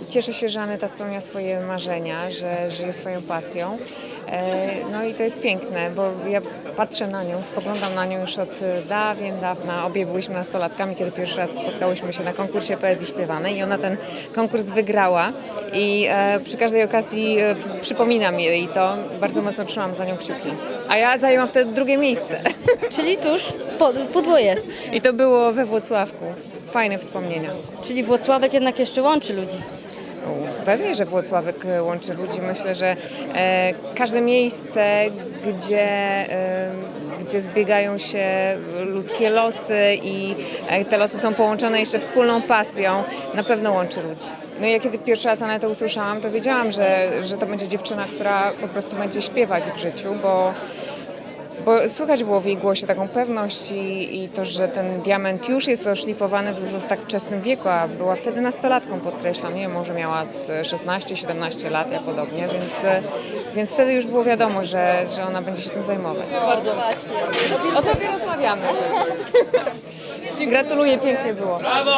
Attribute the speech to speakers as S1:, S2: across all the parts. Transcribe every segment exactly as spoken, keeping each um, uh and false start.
S1: cieszę się, że Aneta spełnia swoje marzenia, że żyje swoją pasją. E, No i to jest piękne, bo ja patrzę na nią, spoglądam na nią już od dawien dawna. Obie byliśmy nastolatkami, kiedy pierwszy raz spotkałyśmy się na konkursie poezji śpiewanej i ona ten konkurs wygrała i e, przy każdej okazji e, przypominam jej to. Bardzo mocno trzymam za nią kciuki. A ja zajęłam wtedy drugie miejsce.
S2: Czyli tuż po, pudło jest.
S1: I to było we Włocławku. Fajne wspomnienia.
S2: Czyli Włocławek jednak jeszcze łączy ludzi.
S1: Uf, Pewnie, że Włocławek e, łączy ludzi. Myślę, że e, każde miejsce, gdzie, e, gdzie zbiegają się ludzkie losy i e, te losy są połączone jeszcze wspólną pasją, na pewno łączy ludzi. No i ja kiedy pierwszy raz Anetę usłyszałam, to wiedziałam, że, że to będzie dziewczyna, która po prostu będzie śpiewać w życiu, bo Bo słychać było w jej głosie taką pewność i, i to, że ten diament już jest oszlifowany w, w tak wczesnym wieku, a była wtedy nastolatką, podkreślam, nie wiem, może miała z szesnaście siedemnaście lat, ja podobnie, więc, więc wtedy już było wiadomo, że, że ona będzie się tym zajmować.
S2: Bardzo właśnie.
S1: O tobie rozmawiamy. Gratuluję, pięknie było.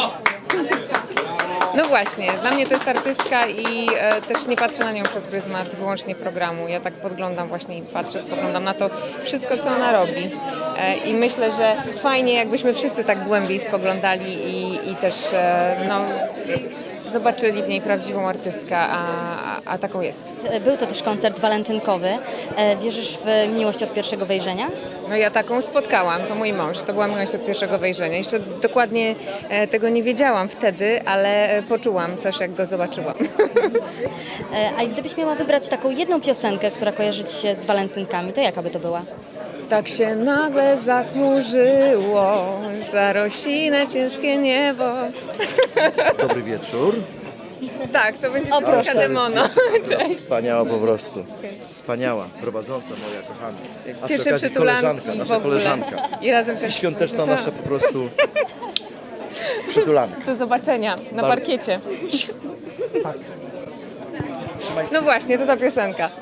S1: No właśnie, dla mnie to jest artystka i e, też nie patrzę na nią przez pryzmat wyłącznie programu. Ja tak podglądam właśnie i patrzę, spoglądam na to wszystko, co ona robi. E, I myślę, że fajnie, jakbyśmy wszyscy tak głębiej spoglądali i, i też e, no, zobaczyli w niej prawdziwą artystkę, a, a, a taką jest.
S2: Był to też koncert walentynkowy. E, Wierzysz w miłość od pierwszego wejrzenia?
S1: No ja taką spotkałam, to mój mąż, to była miłość od pierwszego wejrzenia. Jeszcze dokładnie e, tego nie wiedziałam wtedy, ale e, poczułam coś, jak go zobaczyłam.
S2: E, A gdybyś miała wybrać taką jedną piosenkę, która kojarzy ci się z walentynkami, to jaka by to była?
S1: Tak się nagle zachmurzyło, żarosine ciężkie niebo.
S3: Dobry wieczór.
S1: Tak, to będzie
S2: O,
S1: piosenka
S2: proszę.
S1: Demono. Cześć.
S3: Wspaniała po prostu. Wspaniała, prowadząca moja kochana. A przy
S1: Pierwsze
S3: okazji
S1: przytulanki
S3: koleżanka,
S1: w
S3: nasza
S1: ogóle.
S3: koleżanka.
S1: I razem też
S3: Świąteczna
S1: Tak.
S3: nasza po prostu przytulanka.
S1: Do zobaczenia na
S3: Bar-
S1: parkiecie. No właśnie, to ta piosenka.